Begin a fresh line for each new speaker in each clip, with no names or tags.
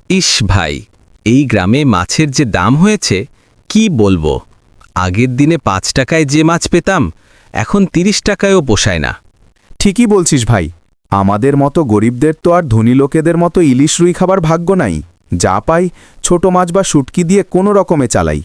ইস ভাই, এই গ্রামে মাছের যে দাম হয়েছে কি বলবো। আগের দিনে 5 টাকায় যে মাছ পেতাম এখন 30 টাকায়ও পোষায় না।
ঠিকই বলছিস ভাই, আমাদের মতো গরিবদের তো আর ধনী লোকেদের মতো ইলিশ রুই খাবার ভাগ্য নাই। যা পাই ছোট মাছ বা শুটকি দিয়ে কোনো রকমে চালাই।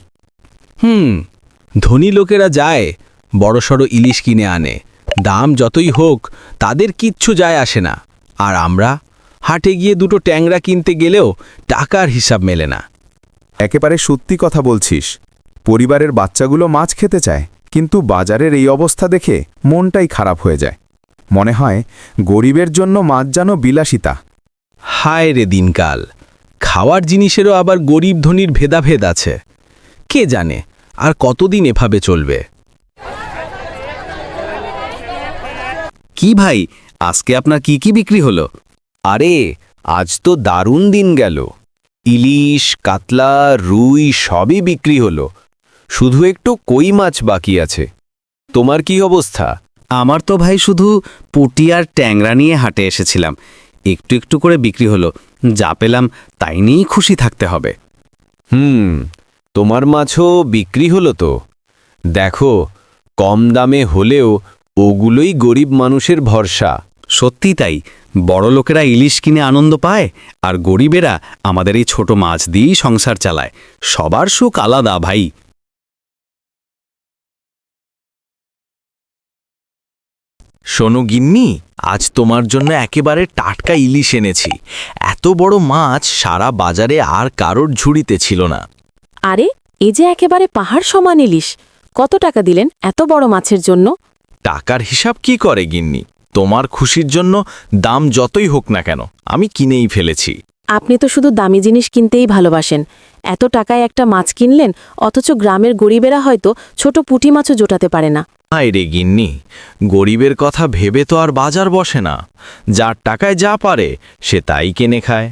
ধনী লোকেরা যায় বড়সড় ইলিশ কিনে আনে, দাম যতই হোক তাদের কিচ্ছু যায় আসে না। আর আমরা হাটে গিয়ে দুটো ট্যাংরা কিনতে গেলেও টাকার হিসাব মেলে না।
একেবারে সত্যি কথা বলছিস। পরিবারের বাচ্চাগুলো মাছ খেতে চায়, কিন্তু বাজারের এই অবস্থা দেখে মনটাই খারাপ হয়ে যায়। মনে হয় গরিবের জন্য মাছ যেন বিলাসিতা।
হায় রে দিনকাল, খাওয়ার জিনিসেরও আবার গরিব ধনীর ভেদাভেদ আছে। কে জানে আর কতদিন এভাবে চলবে।
কি ভাই, আজকে আপনার কি কি বিক্রি হলো?
আরে আজ তো দারুণ দিন গেল। ইলিশ, কাতলা, রুই সবই বিক্রি হলো। শুধু একটু কই মাছ বাকি আছে। তোমার কি অবস্থা?
আমার তো ভাই শুধু পুঁটি আর ট্যাংরা নিয়ে হাটে এসেছিলাম। একটু একটু করে বিক্রি হলো, যা পেলাম তাই নিয়েই খুশি থাকতে হবে।
তোমার মাছও বিক্রি হলো তো। দেখো, কম দামে হলেও ওগুলোই গরিব মানুষের ভরসা।
সত্যি তাই, বড় লোকেরা ইলিশ কিনে আনন্দ পায়, আর গরিবেরা আমাদের এই ছোট মাছ দিয়েই সংসার চালায়। সবার সুখ আলাদা ভাই।
শোনো গিন্নি, আজ তোমার জন্য একেবারে টাটকা ইলিশ এনেছি। এত বড় মাছ সারা বাজারে আর কারোর ঝুড়িতে ছিল না।
আরে, এ যে একেবারে পাহাড় সমান ইলিশ। কত টাকা দিলেন এত বড় মাছের জন্য?
টাকার হিসাব কি করে গিন্নি, তোমার খুশির জন্য দাম যতই হোক না কেন আমি কিনেই ফেলেছি।
আপনি তো শুধু দামি জিনিস কিনতেই ভালোবাসেন। এত টাকায় একটা মাছ কিনলেন, অথচ গ্রামের গরিবেরা হয়তো ছোট পুঁটি মাছও জোটাতে পারে না।
হায় রে গিন্নি, গরিবের কথা ভেবে তো আর বাজার বসে না। যার টাকায় যা পারে সে তাই কিনে খায়।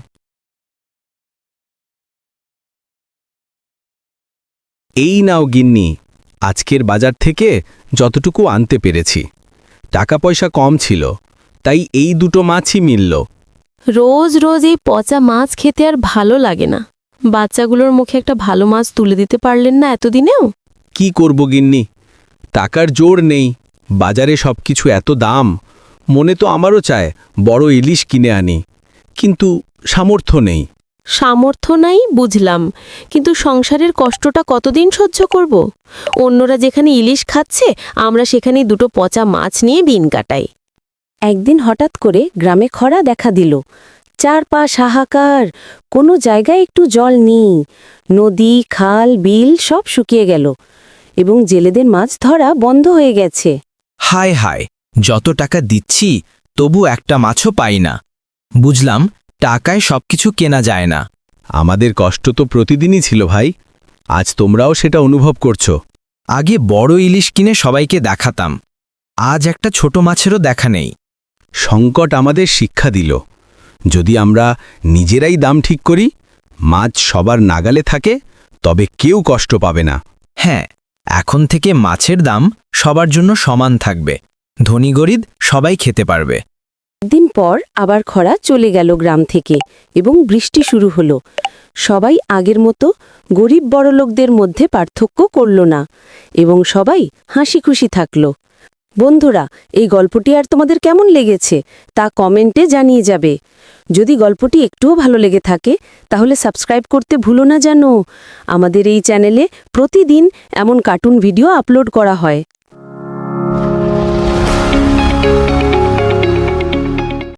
এই নাও গিন্নি, আজকের বাজার থেকে যতটুকু আনতে পেরেছি। টাকা পয়সা কম ছিল, তাই এই দুটো মাছই মিলল।
রোজ রোজ এই পচা মাছ খেতে আর ভালো লাগে না। বাচ্চাগুলোর মুখে একটা ভালো মাছ তুলে দিতে পারলেন না এতদিনেও?
কি করব গিন্নি, টাকার জোর নেই। বাজারে সবকিছু এত দাম। মনে তো আমারও চায় বড় ইলিশ কিনে আনি, কিন্তু সামর্থ্য নেই।
সামর্থ্য নাই বুঝলাম, কিন্তু সংসারের কষ্টটা কতদিন সহ্য করব? অন্যরা যেখানে ইলিশ খাচ্ছে, আমরা সেখানেই দুটো পচা মাছ নিয়ে দিন কাটাই।
একদিন হঠাৎ করে গ্রামে খরা দেখা দিল। চারপাশ হাহাকার, কোনো জায়গায় একটু জল নেই। নদী, খাল, বিল সব শুকিয়ে গেল এবং জেলেদের মাছ ধরা বন্ধ হয়ে গেছে।
হায় হায়, যত টাকা দিচ্ছি তবু একটা মাছও পাই না। বুঝলাম টাকায় সবকিছু কেনা যায় না।
আমাদের কষ্ট তো প্রতিদিনই ছিল ভাই, আজ তোমরাও সেটা অনুভব করছো।
আগে বড় ইলিশ কিনে সবাইকে দেখাতাম, আজ একটা ছোট মাছেরও দেখা নেই।
সংকট আমাদের শিক্ষা দিল, যদি আমরা নিজেরাই দাম ঠিক করি, মাছ সবার নাগালে থাকে, তবে কেউ কষ্ট পাবে না।
হ্যাঁ, এখন থেকে মাছের দাম সবার জন্য সমান থাকবে। ধনী গরিব সবাই খেতে পারবে।
দিন পর আবার খরা চলে গেল গ্রাম থেকে এবং বৃষ্টি শুরু হলো। সবাই আগের মতো গরিব বড়লোকদের মধ্যে পার্থক্য করল না এবং সবাই হাসি খুশি থাকল। বন্ধুরা, এই গল্পটি আর তোমাদের কেমন লেগেছে তা কমেন্টে জানিয়ে যাবে। যদি গল্পটি একটুও ভালো লেগে থাকে তাহলে সাবস্ক্রাইব করতে ভুলো না যেন। আমাদের এই চ্যানেলে প্রতিদিন এমন কার্টুন ভিডিও আপলোড করা হয়।